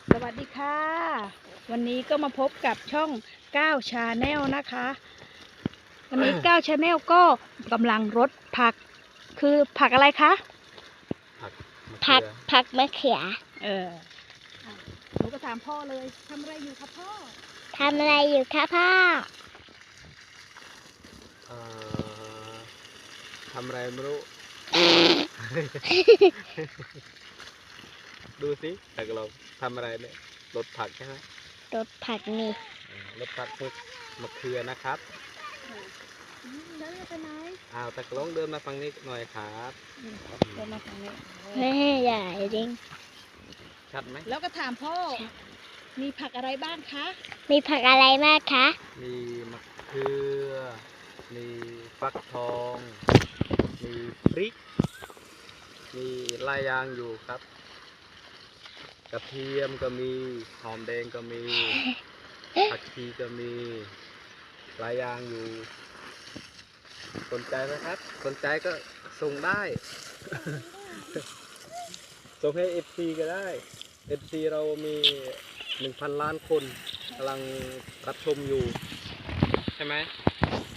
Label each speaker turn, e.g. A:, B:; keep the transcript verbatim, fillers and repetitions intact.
A: สวัสดีค่ะวันนี้ก็มาพบกับช่องก้าวชาแนลนะคะวันนี้ก้าวชาแนลก็กำลังรดผักคือผักอะไรคะ
B: ผัก
C: ผักผักมะเขือ
A: เอออ่ะหนูก็ถามพ่อเลยทำอะไรอยู่ครับพ่อ
C: ทำอะไรอยู่คะพ่อ
B: เอ่อทำอะไรไม่รู้ ดูสิแต่เราทำอะไรเนี่ยรดผักใช่ไหม
C: รดผักนี่
B: อืมรดผักพวกมะเขือนะครับ
A: อืมแล้วจะไปไหน
B: อ้าวตะกล้องเดินมาฟังนี้หน่อยครับ
A: อืมเดินมาทางนี้
C: แม่ใหญ่จริง
B: ชัดไหม
A: แล้วก็ถามพ่อมีผักอะไรบ้างคะ
C: มีผักอะไรมากคะ
B: มีมะเขือมีฟักทอง มีพริก มีหลายอย่างอยู่ครับ กระเทียมก็มีหอมแดงก็มี ผักชีก็มีหลายอย่างอยู่ สนใจไหมครับ สนใจก็ส่งได้ ส่งให้ เอฟ ซี ก็ได้ เอฟ ซี เรามีหนึ่งพันล้านคนกำลังรับชมอยู่ ใช่ไหม